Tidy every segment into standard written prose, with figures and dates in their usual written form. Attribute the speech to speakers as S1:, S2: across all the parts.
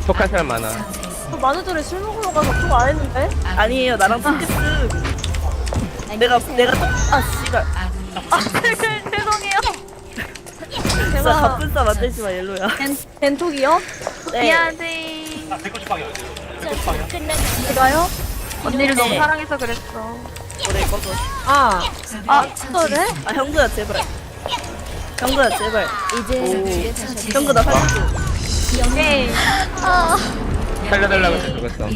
S1: 독한 사람 많아.
S2: 저 만우절에 술 먹으러 가서 그거 안 했는데?
S3: 아니에요, 나랑 핑크스. 내가 씨발.
S2: 죄송해요.
S3: 진짜 바쁜 싸 만들지 마, 옐로야.
S2: 벤톡이요?
S3: 네.
S2: 미안해. 제가요? 언니를 너무
S3: 네.
S2: 사랑해서 그랬어.
S3: 오래 꺼서.
S2: 그래?
S3: 아, 형구야, 제발. 형구야, 제발.
S4: 이제
S3: 형구, 나 살려줘.
S2: 오케이.
S1: 살려달라고 해서 죽었어.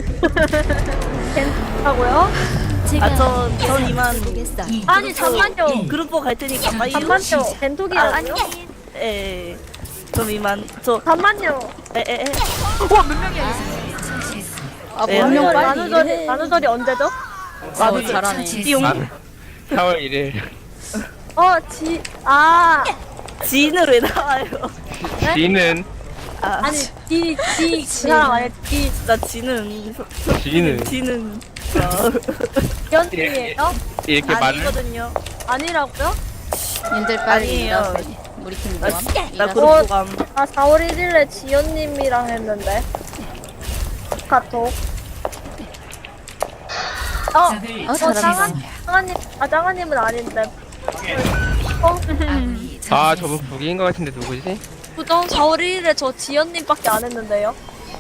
S2: 벤톡하고요?
S3: 전 이만.
S4: 보겠어.
S2: 아니, 잠만요.
S3: 그룹보 갈 테니까 빠이.
S2: 잠만요. 벤톡이라고요?
S3: 아니. 에. 좀 이만.
S2: 잠만요.
S3: 에에에.
S4: 아,
S3: 네.
S4: 분명 빨리
S2: 만우절이,
S4: 일해.
S2: 만우절이 언제죠?
S4: 어, 잘하네.
S3: 띠용.
S1: 4월 1일.
S3: 지인으로 왜 나와요?
S1: 지는
S3: 아,
S2: 아니, 그 사람 아니야?
S3: 나 지는.
S1: 지는
S2: 연팀이에요?
S1: 이렇게 말을
S3: 아니거든요.
S2: 아니라고요?
S4: 님들 빨리
S3: 아니에요.
S4: 일하세요. 우리 팀
S3: 나,
S4: 뭐함?
S3: 나
S4: 일하세요.
S3: 그룹보 감.
S2: 아, 4월 1일에 지연님이랑 했는데. 카톡. 짱아님은 아닌데.
S1: 아 저분 북이인 것 같은데 누구지?
S2: 부정 4월 1일에 저 지연님밖에 안 했는데요.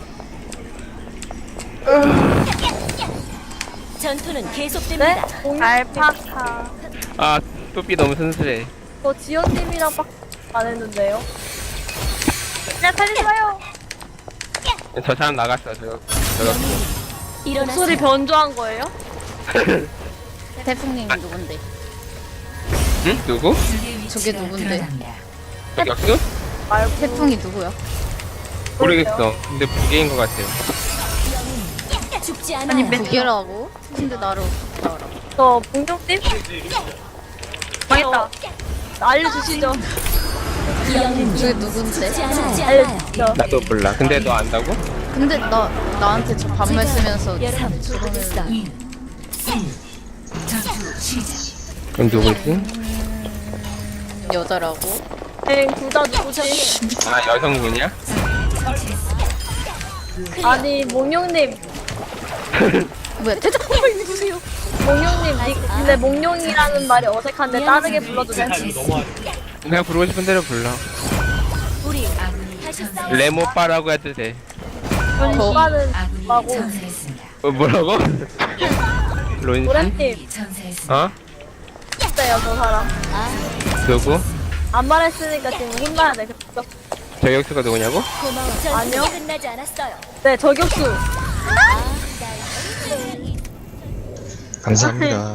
S4: 전투는 계속됩니다.
S2: 네? 알파카.
S1: 아 뚜삐 너무 순수해.
S2: 저 지연님이랑밖에 안 했는데요. 그냥 살려봐요.
S1: 저 사람 나갔어. 저거.
S2: 목소리 변조한 거예요?
S4: 태풍님이 누군데?
S1: 응? 누구?
S4: 저게 누군데?
S1: 역수?
S2: 말고.
S4: 태풍이 누구야?
S1: 모르겠어. 근데 북이인 것 같아요.
S4: 죽지 않아. 아니 북이라고? 근데 나를 어떻게 알아?
S2: 저 봉룡님? 망했다. 알려주시죠.
S4: 저게 누군데?
S2: 알려주시죠.
S1: 나도 몰라. 근데 너 안다고?
S4: 근데 나한테 저 반말 쓰면서 저러면
S1: 그럼 누구지?
S4: 여자라고?
S2: 둘다 누구지?
S1: 아 여성분이야?
S2: 아니, 몽룡님.
S4: 뭐야 대장
S2: 누구세요? 몽룡님, 근데 몽룡이라는 말이 어색한데 빠르게 불러도 돼?
S1: 그냥 부르고 싶은 대로 불러. 레모빠라고 해도 돼.
S2: 오빠는 뭐고?
S1: 뭐라고? 론씨?
S2: 노래팀.
S1: 어?
S2: 어때요, 저 사람?
S1: 누구?
S2: 안 말했으니까 지금 혼나야 돼. 그쵸?
S1: 저격수가 누구냐고?
S2: 아니요.
S4: 끝나지 않았어요.
S2: 네, 저격수.
S5: 감사합니다.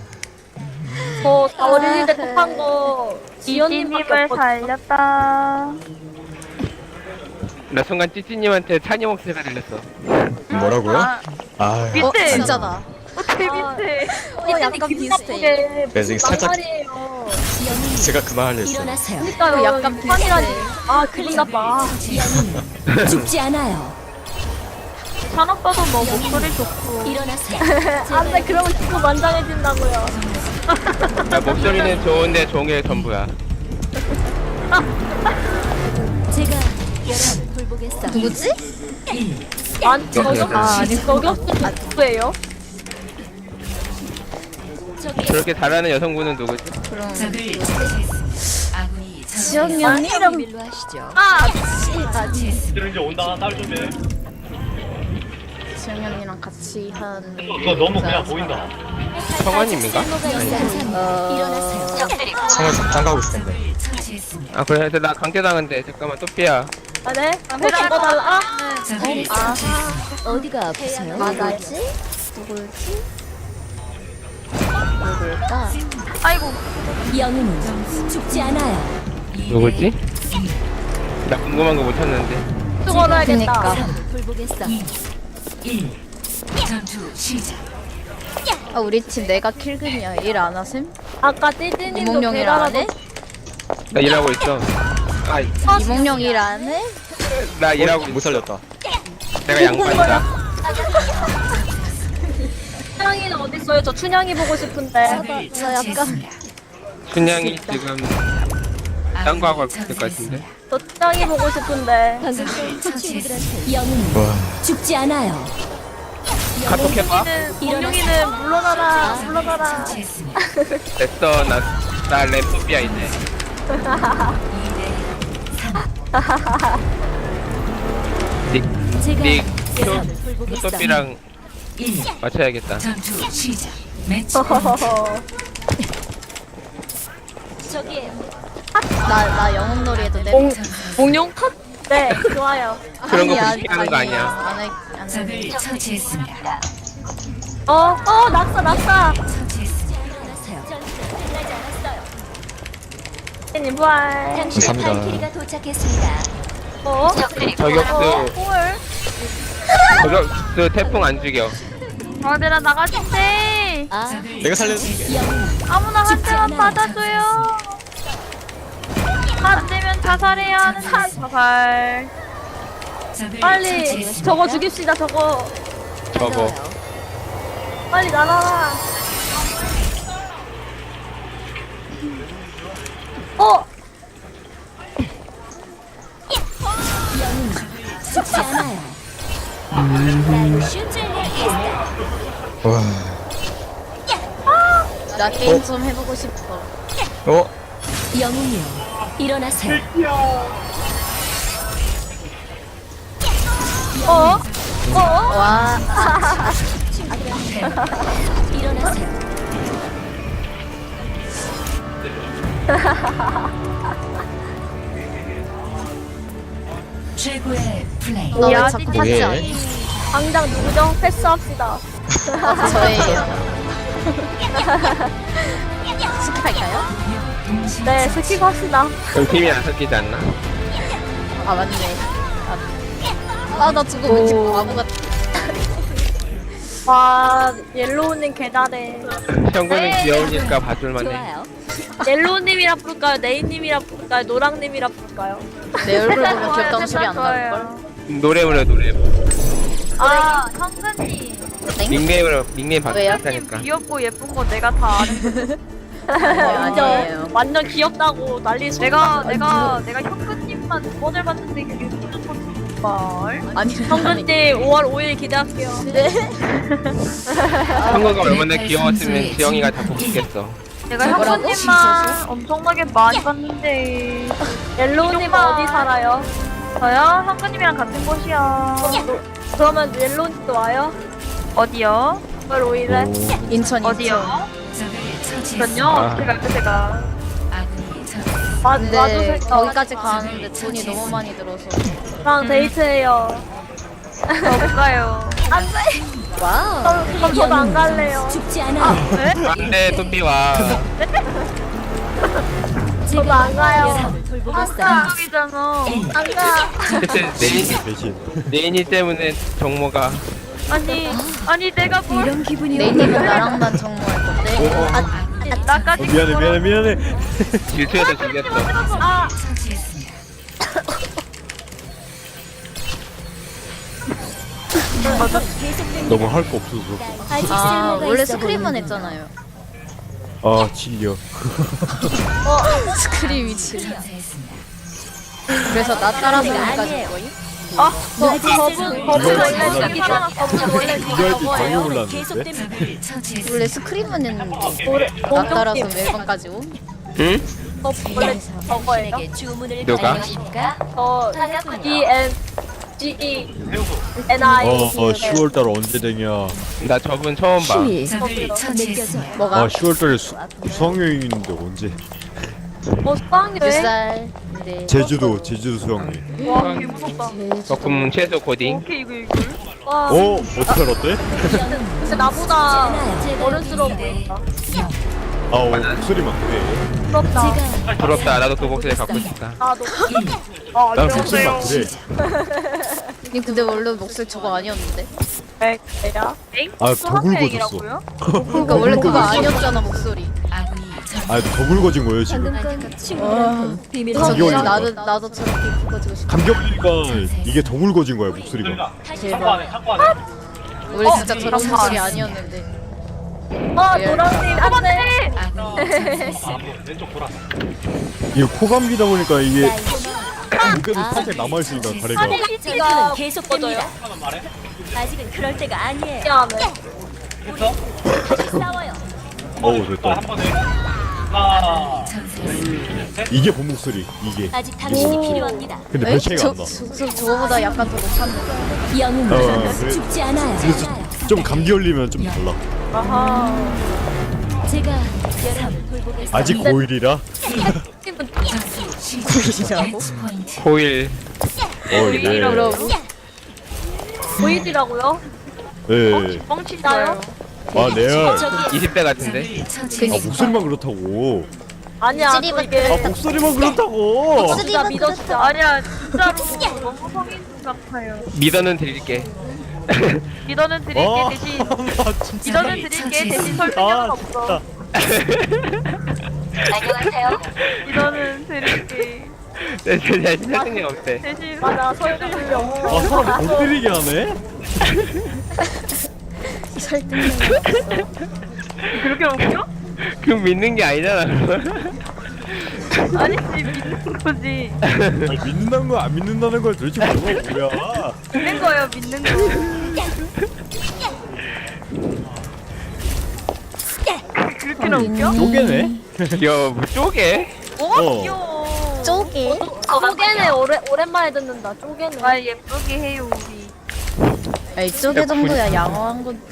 S2: 저 4월 1일에 톡한 거 지연님을 살렸다.
S1: 나 순간 찌찌님한테 찬이 목소리가 들렸어.
S5: 뭐라고요? 아,
S4: 진짜다.
S2: 재밌대.
S4: 약간 비슷해.
S5: 그래서 살짝
S2: 말이에요.
S5: 제가 그 말을 했어요.
S4: 일어나세요.
S2: 그러니까요.
S4: 약간
S2: 판이라니. 아, 기분 나빠.
S4: 죽지 않아요.
S2: 산업가도 뭐 목소리 좋고.
S4: 일어나세요.
S2: 안 돼, 그러면 자꾸 만장해진다고요.
S1: 야, 목소리는 좋은데 종일 전부야.
S4: 제가 여러분 돌보겠어. 누구지?
S2: 아니, 저격수 누구예요?
S1: 저렇게 잘하는 여성분은 누구지?
S4: 그럼
S2: 지연이
S4: 언니랑 밀로 하시죠.
S6: 이제 온다. 딸 좀 해.
S4: 지영 언니랑 같이 한.
S6: 이거 너무 그냥 보인다.
S1: 성원님인가?
S4: 일어나세요.
S5: 성을 장 가고 있을 텐데.
S1: 아 그래 나 강제당한데 잠깐만 또삐야.
S2: 아, 네? 혹시 이거 달라?
S4: 어디가 아프세요?
S2: 맞아요.
S4: 누굴지? 누굴까?
S2: 아이고.
S4: 영웅은 죽지 않아요.
S1: 누구지? 나 궁금한 거 못 찾는데.
S2: 또 걸어야겠다.
S4: 그니까. 돌보겠어. 아 우리 팀 내가 킬금이야. 일 안 하셈?
S2: 아까 띠띠님도
S4: 이몽룡이랑 안 해?
S1: 나 일하고 있어. 아,
S4: 이몽룡 일 안 해?
S1: 나 일하고
S5: 못
S1: 있어.
S5: 살렸다.
S1: 내가 양반이다.
S2: 춘향이는 어딨어요? 저 춘향이 보고 싶은데.
S4: 저 약간
S1: 춘향이 지금 딴 거 하고 될 것 같은데.
S2: 저 짱이 보고 싶은데.
S7: 방금 전 친구들한테 영웅
S5: 와.
S7: 죽지 않아요.
S1: 카톡 해봐.
S2: 공룡이는 물러나라, 물러나라.
S1: 됐어. 나 램프비야 이제.
S7: 제가
S1: 닉
S7: 예상을 돌보겠어.
S1: 소피랑 맞춰야겠다.
S2: 허허허허.
S7: 저기에요.
S4: 나 영웅놀이 해도 돼?
S2: 공룡 컷? 네, 좋아요.
S1: 그런 거 그렇게 하는 거 아니야.
S4: 안 해.
S2: 낙사, 낙사. 님 부활.
S7: 당신의
S5: 감사합니다.
S7: 발키리가 도착했습니다.
S1: 저격수
S2: 헐.
S1: 저격수 태풍 안 죽여.
S2: 아들아 나가주세.
S7: 아,
S5: 내가 살려줄게.
S2: 아무나 한 대만 받아줘요. 안 되면 자살해야 하는 자살. 빨리 저거 죽입시다. 저거
S1: 저거.
S2: 빨리 날아라.
S7: 죽지 않아요. 날 슈즈를
S5: 와.
S4: 나 게임 좀 해보고 싶어.
S7: 영웅이요. 일어나세요.
S4: 와.
S7: 일어나세요.
S4: 너 왜 자꾸
S2: 아직
S4: 하지 않아?
S2: 당장 누구죠? 패스합시다.
S4: 저예요. 스킵할까요?
S2: 네, 스킵 합시다.
S1: 그럼 팀이 안 섞이지 않나?
S4: 아 맞네. 나 저거 왠지 바보 같아.
S2: 와, 옐로우님 개다래.
S1: 형구는 귀여우니까 봐줄만해.
S7: 좋아요.
S2: 옐로우님이라 부를까요? 네이님이라 부를까요? 노랑님이라 부를까요?
S4: 내 얼굴 보면 귀엽다는 소리 안 나올걸?
S1: 노래 부르 노래.
S2: 아, 현근님.
S1: 닉네임
S4: 왜요?
S1: 바꾸니까.
S2: 귀엽고 예쁜 거 내가 다 아는
S4: 아니에요.
S2: 완전 귀엽다고 난리 내가 현근님만 두 번을 봤는데 그게 무슨 걸?
S4: 아니
S2: 현근님 5월 5일 기대할게요.
S4: 네.
S1: 형구가 얼마나 귀여웠으면 지영이가 다 복수겠어.
S2: 내가
S4: 뭐라고?
S2: 현근님만 엄청나게 많이 봤는데 옐로우님 어디 살아요? 저요? 현근님이랑 같은 곳이요. 그러면 옐로우님도 와요? 어디요? 5월 5일에?
S4: 인천
S2: 어디요? 전요?
S1: 아.
S2: 제가
S4: 근데 거기까지 가는데 돈이 너무 많이 들어서.
S2: 저랑 데이트해요. 저 못 가요. 안 돼.
S4: 와우.
S2: 그럼 저도 안 갈래요.
S7: 죽지 않아요.
S2: 네?
S1: 안돼 소피와.
S2: 저도 안 가요.
S7: 여러분을 돌보겠어요.
S2: 한쪽이잖아. 안 가.
S1: 그때 네인이 때문에 정모가.
S2: 아니 내가 뭘?
S7: 이런 기분이
S4: 네이님은 나랑만 정모할 건데.
S2: 나까지
S5: 미안해.
S1: 질투해서 죽였어.
S2: 아,
S8: 너무 할 거 없어서.
S7: 아직
S4: 아
S7: 쓸모가
S4: 원래
S7: 있어
S4: 스크림은
S7: 보이는데.
S4: 했잖아요.
S8: 아 질려.
S4: 스크림이 질. 그래서 나 따라서 여기까지
S7: 아니에요.
S4: 거임?
S2: 법은 원래 저기잖아. 법은 원래
S8: 이거 할때 방금 올랐는데.
S7: 계속됩니다.
S4: 원래 스크림은 했는데 나
S2: 공룡
S4: 따라서
S2: 팀.
S4: 멜번까지 옴?
S1: 응?
S2: 법 원래 저거예요.
S7: 당신에게 주문을
S1: 누가?
S7: 걸어주십니까?
S2: 저 E N G E N I.
S8: 10월달 언제 되냐?
S1: 나 저분 처음 봐.
S7: 느껴져요.
S4: 뭐가?
S8: 아 10월달에 수학여행 있는데 언제?
S2: 수학여행?
S4: 몇 살? 네.
S8: 제주도 수학여행.
S2: 와, 개 무섭다.
S1: 적금 최소 코딩.
S2: 오케이 이거. 와,
S8: 어떻게 알았대?
S2: 근데 나보다 어른스러워 보인다.
S8: 목소리만 그래.
S2: 부럽다.
S1: 부럽다. 나도 그 목소리 갖고 싶다.
S2: 나도.
S8: 난 목소리만 그래.
S4: 님 근데 원래 목소리 저거 아니었는데?
S2: 내가?
S8: 아 더 굵어졌어.
S4: 그러니까 원래 그거 아니었잖아 목소리.
S8: 아더 굵어진 거예요 지금.
S7: 방금 건 친구랑 비밀
S8: 저기
S4: 저기
S8: 어디
S4: 나도 저렇게 굵어지고 싶어.
S8: 감격이니까 이게 더 굵어진 거야 목소리가.
S6: 창고 안에 창고 안에.
S4: 원래 진짜 저런 목소리 아니었는데.
S2: 노랑님 안돼.
S6: 왼쪽 돌아.
S8: 이거 코감기다 보니까 이게 목에도 살짝 남아있으니까 가래가.
S2: 피지가
S7: 계속됩니다.
S6: 하나만 말해.
S7: 아직은 그럴 때가 아니에요.
S2: 미안해.
S6: 됐어?
S7: 싸워요.
S8: 어우 됐다.
S6: 한 번에. 하나.
S8: 이게 본 목소리. 이게.
S7: 아직 당신이 필요합니다.
S8: 근데 별 차이가 안 나.
S4: 저거보다 약간 더 높았는데.
S7: 영웅은
S8: 그래.
S7: 죽지 않아요.
S8: 좀 감기 걸리면 좀 달라.
S2: 아하.
S7: 제가 여러분 돌보겠습니다.
S8: 아직 고1이라.
S1: 호일.
S8: 네.
S2: 보이지라고요?
S8: 네.
S2: 뻥친다요?
S8: 아 레알.
S1: 20대 같은데?
S8: 아 목소리만 그렇다고.
S2: 아니야. 또
S8: 아
S2: 이게
S8: 목소리만 그렇다고.
S2: 진짜 믿어주자. 아니야 진짜로 너무 성인 같아요.
S1: 미더는 드릴게.
S2: 믿어는 드릴게
S8: 아,
S2: 대신
S8: 나 진짜.
S2: 믿어는 드릴게 대신 설득력은
S8: 아
S2: 없어.
S8: 진짜.
S2: 안녕하세요. 믿어는 드릴게
S1: 내 자신 설득력 없대.
S2: 대신 맞아 설득력
S8: 아
S2: 없어.
S8: 사람 못 때리게 하네.
S2: 그렇게 웃겨?
S1: 그럼 믿는 게 아니잖아.
S2: 아니지 믿는 거지.
S8: 아니, 믿는 거 안 믿는다는 걸 도대체 뭐야?
S2: 믿는 거예요 믿는 거. 그렇게나 웃겨?
S8: 쪼개네.
S1: 야, 뭐 쪼개?
S8: 어.
S2: 귀여워.
S4: 쪼개?
S2: 쪼개네 오랜만에 듣는다. 쪼개네. 아 예쁘게 해요 우리.
S4: 에이 쪼개 정도야 양호한 건.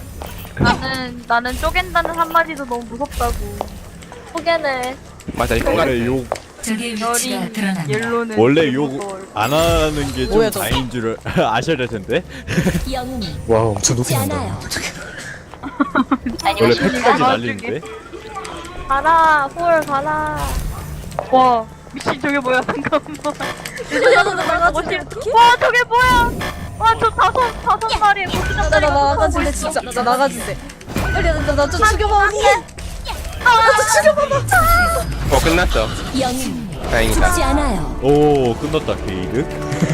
S2: 나는 쪼갠다는 한마디도 너무 무섭다고. 쪼개네.
S1: 맞아, 이거 같아.
S8: 원래 욕
S7: 적의 위치가
S2: 여린
S7: 드러납니다.
S2: 옐로는
S8: 원래
S2: 그걸.
S8: 욕 안 하는 게 좀
S4: 뭐야, 너?
S8: 다행인 줄 아셔야 될 텐데.
S7: 영웅이
S5: 와 엄청
S7: 죽지
S5: 높이
S7: 않아요.
S8: 원래 팩까지 날리는데.
S2: 가라 홀 가라. 와 미친 저게 뭐야 잠깐만. 와 저게 뭐야? 와 저 다섯 마리의 고추장다리.
S4: 나 나가줄래 진짜. 나 나가줄래. 빨리 나좀 죽여봐 언니. 나좀 죽여봐.
S1: 끝났어.
S7: 영웅
S1: 다행이다.
S7: 죽지 않아요.
S8: 오 끝났다 게이드.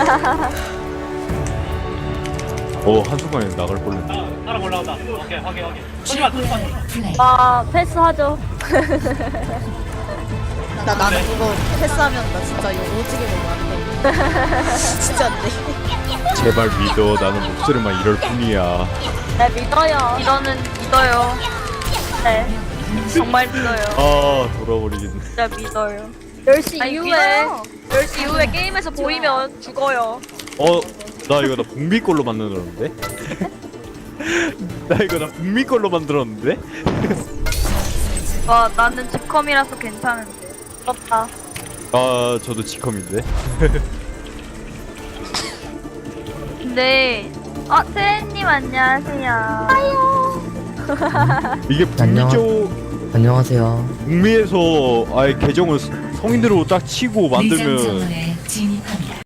S8: 한순간에 나갈 뻔했네.
S6: 사람 올라온다. 오케이, 확인. 쏘지마.
S7: 플레이.
S2: 아 패스하죠.
S4: 나는 그거 패스하면 나 진짜 이거 오지게 먹으면 안 돼. 진짜 안 돼.
S8: 제발 믿어. 나는 목소리만 이럴 뿐이야.
S2: 네 믿어요. 믿어요. 네 정말 믿어요.
S8: 아 돌아버리겠네.
S2: 진짜 믿어요. 10시 이후에 10시 이후에 게임에서 보이면 죽어요.
S8: 나 이거 나 북미 걸로 만들었는데? 나 이거 나 북미 걸로 만들었는데?
S2: 와 나는 집컴이라서 괜찮은데. 부럽다.
S8: 아 저도 지컴인데.
S2: 근데 세렌님 안녕하세요. 아유.
S8: 이게 북미 쪽
S5: 안녕하세요.
S8: 북미에서 아예 계정을 성인으로 딱 치고
S7: 리전
S8: 만들면
S7: 정원에 진입합니다.